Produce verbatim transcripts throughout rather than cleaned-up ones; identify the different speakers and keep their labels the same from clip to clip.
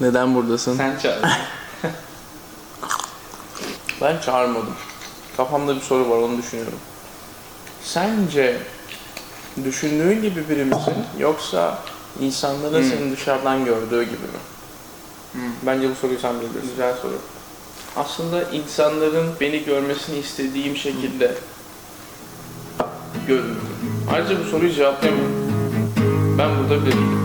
Speaker 1: Neden buradasın?
Speaker 2: Sen çağırdın.
Speaker 1: Ben çağırmadım. Kafamda bir soru var, onu düşünüyorum. Sence düşündüğün gibi biri misin yoksa insanların
Speaker 2: Hmm.
Speaker 1: seni dışarıdan gördüğü gibi mi?
Speaker 2: Hmm.
Speaker 1: Bence bu soruyu sen bilirsin. Güzel soru. Aslında insanların beni görmesini istediğim şekilde görünüyorum. Ayrıca bu soruyu cevaplayamıyorum. Ben burada bilirim.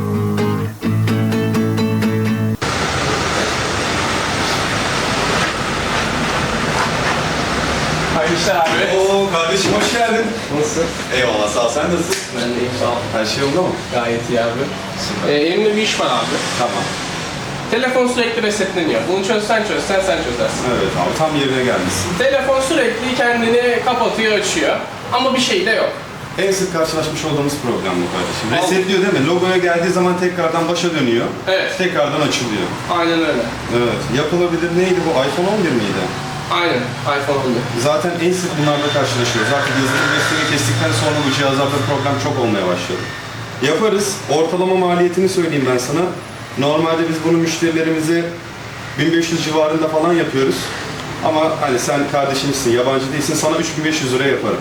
Speaker 2: Hayırlı işler abi.
Speaker 3: Oo kardeşim hoş geldin.
Speaker 2: Nasılsın?
Speaker 3: Eyvallah sağ ol. Sen nasılsın?
Speaker 2: Ben de iyiyim, sağ ol.
Speaker 3: Her şey yolunda mı?
Speaker 2: Gayet iyi abi. Ee, elimde bir iş var abi.
Speaker 3: Tamam.
Speaker 2: Telefon sürekli resetleniyor. Bunu çözsen çözsen sen çözersin.
Speaker 3: Evet abi tam yerine gelmişsin.
Speaker 2: Telefon sürekli kendini kapatıyor, açıyor. Ama bir şey de yok.
Speaker 3: En sık karşılaşmış olduğumuz problem bu kardeşim. Resetliyor değil mi? Logoya geldiği zaman tekrardan başa dönüyor.
Speaker 2: Evet.
Speaker 3: Tekrardan açılıyor.
Speaker 2: Aynen öyle.
Speaker 3: Evet. Yapılabilir neydi bu? iPhone on bir miydi?
Speaker 2: Aynen. iPhone on bir.
Speaker 3: Zaten en sık bunlarla karşılaşıyoruz. Artık yazılım desteği kestikten sonra bu cihazlarda problem çok olmaya başladı. Yaparız. Ortalama maliyetini söyleyeyim ben sana. Normalde biz bunu müşterilerimize bin beş yüz civarında falan yapıyoruz. Ama hani sen kardeşimsin, yabancı değilsin, sana üç bin beş yüz liraya yaparım.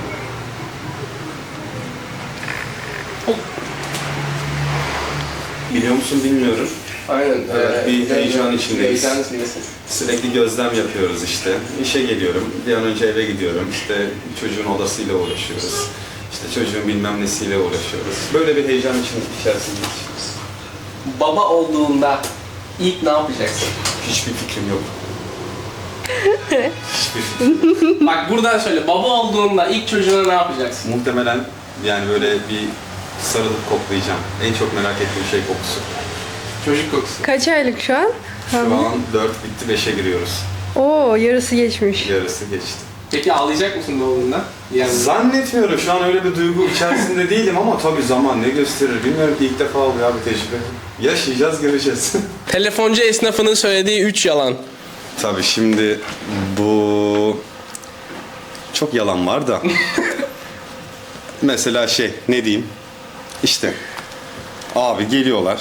Speaker 3: Biliyor musun bilmiyorum.
Speaker 2: Aynen.
Speaker 3: Evet, bir heyecan içindeyiz.
Speaker 2: Heyecan içindesin.
Speaker 3: Sürekli gözlem yapıyoruz işte. İşe geliyorum, bir an önce eve gidiyorum. İşte çocuğun odasıyla uğraşıyoruz. İşte çocuğun bilmem nesiyle uğraşıyoruz. Böyle bir heyecan için içerisindeyiz.
Speaker 2: Baba olduğunda ilk ne yapacaksın?
Speaker 3: Hiçbir fikrim yok. Hiçbir fikrim yok.
Speaker 2: Bak buradan söyle. Baba olduğunda ilk çocuğuna ne yapacaksın?
Speaker 3: Muhtemelen yani böyle bir sarılıp koklayacağım. En çok merak ettiğim şey kokusu.
Speaker 2: Çocuk kokusu.
Speaker 4: Kaç aylık şu an?
Speaker 3: Şu an dört bitti, beşe giriyoruz.
Speaker 4: Oo, yarısı geçmiş.
Speaker 3: Yarısı geçti.
Speaker 2: Peki ağlayacak mısın doğduğunda? Yani
Speaker 3: Zannetmiyorum. Şu an öyle bir duygu içerisinde değilim ama tabii zaman ne gösterir bilmiyorum ki ilk defa oluyor abi tecrübe. Yaşayacağız, göreceğiz.
Speaker 2: telefoncu esnafının söylediği üç yalan.
Speaker 3: Tabii şimdi bu çok yalan var da. Mesela şey ne diyeyim? İşte abi geliyorlar.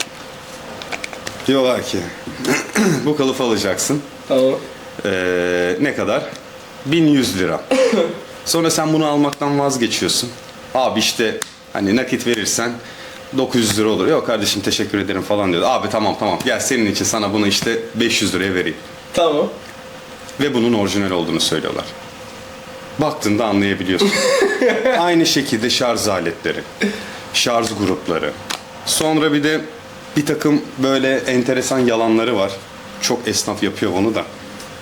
Speaker 3: Diyorlar ki bu kılıfı alacaksın.
Speaker 2: Tamam.
Speaker 3: Ee, ne kadar? bin yüz lira. Sonra sen bunu almaktan vazgeçiyorsun. Abi işte hani nakit verirsen dokuz yüz lira olur. Yok kardeşim teşekkür ederim falan diyor. Abi tamam tamam gel senin için sana bunu işte beş yüz liraya vereyim.
Speaker 2: Tamam.
Speaker 3: Ve bunun orijinal olduğunu söylüyorlar. Baktığında anlayabiliyorsun. Aynı şekilde şarj aletleri, şarj grupları. Sonra bir de bir takım böyle enteresan yalanları var. Çok esnaf yapıyor bunu da.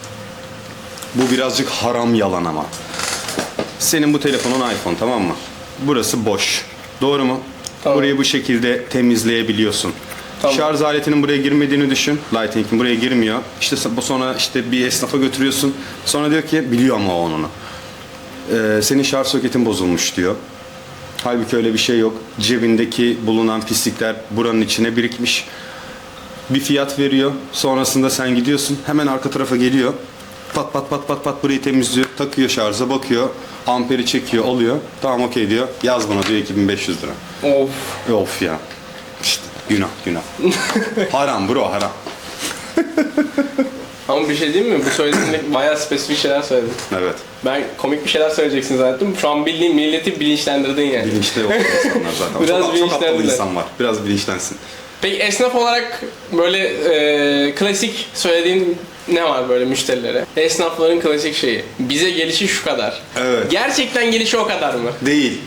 Speaker 3: Bu birazcık haram yalan ama. Senin bu telefonun iPhone tamam mı? Burası boş. Doğru mu?
Speaker 2: Tamam.
Speaker 3: Burayı bu şekilde temizleyebiliyorsun.
Speaker 2: Tamam.
Speaker 3: Şarj aletinin buraya girmediğini düşün. Lighting'in buraya girmiyor. İşte bu sonra işte bir esnafa götürüyorsun. Sonra diyor ki biliyor ama o onu. Ee, senin şarj soketin bozulmuş diyor. Halbuki öyle bir şey yok. Cebindeki bulunan pislikler buranın içine birikmiş. Bir fiyat veriyor. Sonrasında sen gidiyorsun. Hemen arka tarafa geliyor. Pat pat pat pat pat burayı temizliyor. Takıyor şarja bakıyor. Amperi çekiyor alıyor. Tamam okey diyor. Yaz bana diyor iki bin beş yüz lira.
Speaker 2: Of.
Speaker 3: Of ya. İşte günah günah. Haram bro haram.
Speaker 2: Ama bir şey diyeyim mi? Bu söylediğinde bayağı spesifik şeyler söyledin.
Speaker 3: Evet.
Speaker 2: Ben komik bir şeyler söyleyeceksin zannettim. Şu an bildiğin milleti bilinçlendirdin yani.
Speaker 3: Bilinçli yok insanlar zaten.
Speaker 2: Biraz
Speaker 3: çok, çok aptal
Speaker 2: bilinçlendiler.
Speaker 3: insan var. Biraz bilinçlensin.
Speaker 2: Peki esnaf olarak böyle e, klasik söylediğin ne var böyle müşterilere? Esnafların klasik şeyi. Bize gelişi şu kadar.
Speaker 3: Evet.
Speaker 2: Gerçekten gelişi o kadar mı?
Speaker 3: Değil.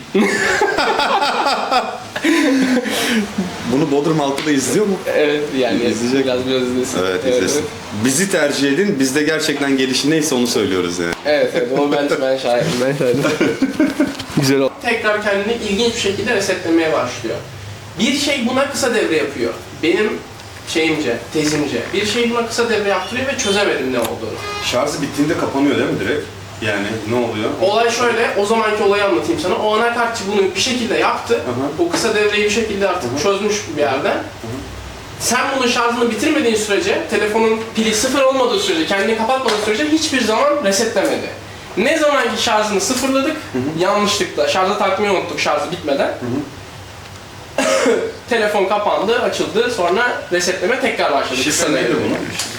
Speaker 3: Bunu Bodrum halkı da izliyor mu?
Speaker 2: Evet yani
Speaker 3: İzleyecek
Speaker 2: biraz biraz izlesin.
Speaker 3: Evet izlesin.
Speaker 2: Evet,
Speaker 3: Bizi tercih edin. Biz de gerçekten gelişi neyse onu söylüyoruz yani.
Speaker 2: evet, evet onu ben, ben şahidim. Ben şahidim. Güzel oldu. Tekrar kendini ilginç bir şekilde resetlemeye başlıyor. Bir şey buna kısa devre yapıyor. Benim şeyimce, tezimce. Bir şey buna kısa devre yaptırıyor ve çözemedim ne olduğunu.
Speaker 3: Şarjı bittiğinde kapanıyor değil mi direkt? Yani ne oluyor?
Speaker 2: Olay şöyle, o zamanki olayı anlatayım sana. O anakartçı bunu bir şekilde yaptı.
Speaker 3: Aha.
Speaker 2: O kısa devreyi bir şekilde artık
Speaker 3: Aha.
Speaker 2: çözmüş bir yerden. Sen bunun şarjını bitirmediğin sürece, telefonun pili sıfır olmadığı sürece, kendini kapatmadığı sürece hiçbir zaman resetlemedi. Ne zamanki şarjını sıfırladık, yanlışlıkla şarja takmayı unuttuk şarjı bitmeden. Telefon kapandı, açıldı. Sonra resetleme tekrar başladı.
Speaker 3: Şifre
Speaker 2: Kısa
Speaker 3: neydi
Speaker 2: devre.
Speaker 3: bunun?